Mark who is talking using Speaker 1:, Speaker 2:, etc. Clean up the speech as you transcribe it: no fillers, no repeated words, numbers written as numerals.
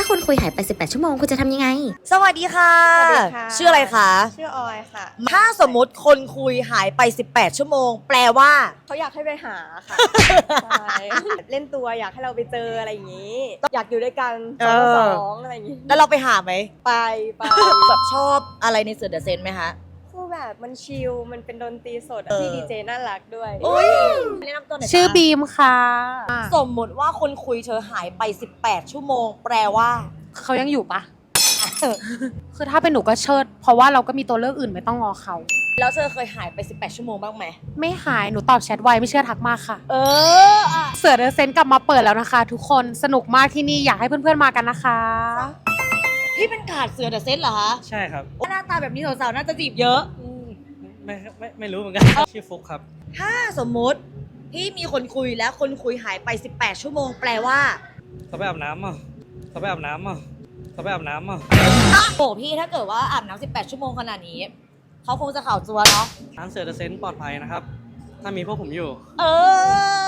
Speaker 1: คุณคุยหายไป18ชั่วโมงคุณจะทำยังไง
Speaker 2: สวัสดีค่ะ
Speaker 3: สวัสดีค่ะ
Speaker 2: ชื่ออะไรคะ
Speaker 3: ชื่อออยค่ะ
Speaker 2: ถ้าสมมติคนคุยหายไป18ชั่วโมงแปลว่า
Speaker 3: เขาอยากให้ไปหาค่ะ ใช่เล่นตัวอยากให้เราไปเจออะไรอย่างนี้ อยากอยู่ด้วยกัน2 อะไรอย่างนี้
Speaker 2: แล้วเราไปหาไหม
Speaker 3: ไป
Speaker 2: แบบชอบอะไรในเสือเดอะเซนไหมคะ
Speaker 3: คือแบบมันชิลมันเป็นดนตรีสดอะ
Speaker 2: เออ
Speaker 3: พี่ดีเจน่ารักด้วย
Speaker 2: อุ้ยแนะนำตัวหน่อย
Speaker 4: ชื่อบีมค่ะ
Speaker 2: สมมติว่าคนคุยเธอหายไป18ชั่วโมงแปลว่า
Speaker 4: เขายังอยู่ปะ คือถ้าเป็นหนูก็เชิด เพราะว่าเราก็มีตัวเลือกอื่นไม่ต้องงอเขา
Speaker 2: แล้วเธอเคยหายไป18ชั่วโมงบ้างไหม
Speaker 4: ไม่หายหนูตอบแชทไวไม่เชื่อทักมาค่ะ
Speaker 2: เอออะ
Speaker 4: เสือเดอะเซนต์กลับมาเปิดแล้วนะคะ ทุกคนสนุกมากที่นี่อยากให้เพื่อนๆมากันนะคะ
Speaker 2: พี่เป็นกาดเสือเดอะเซนเหรอคะ
Speaker 5: ใช่ครับ
Speaker 2: หน้าตาแบบนี้สาวๆน่าจะจีบเยอะ
Speaker 5: ไม่รู้เหมือนกัน ชื่อฟุกครับ
Speaker 2: ถ้าสมมุติพี่มีคนคุยแล้วคนคุยหายไป18ชั่วโมงแปลว่า
Speaker 5: เขาไปอาบน้ำอ่ะเขาไปอาบน้ำอ่ะเขาไปอาบน้ำอ่ะ
Speaker 2: โอ้พี่ถ้าเกิดว่าอาบน้ำ18ชั่วโมงขนาดนี้เขาคงจะข่าวจัวเนาะ
Speaker 5: ร้านเสือเดอะเซนต์ปลอดภัยนะครับ ถ้ามีพวกผมอยู่
Speaker 2: เออ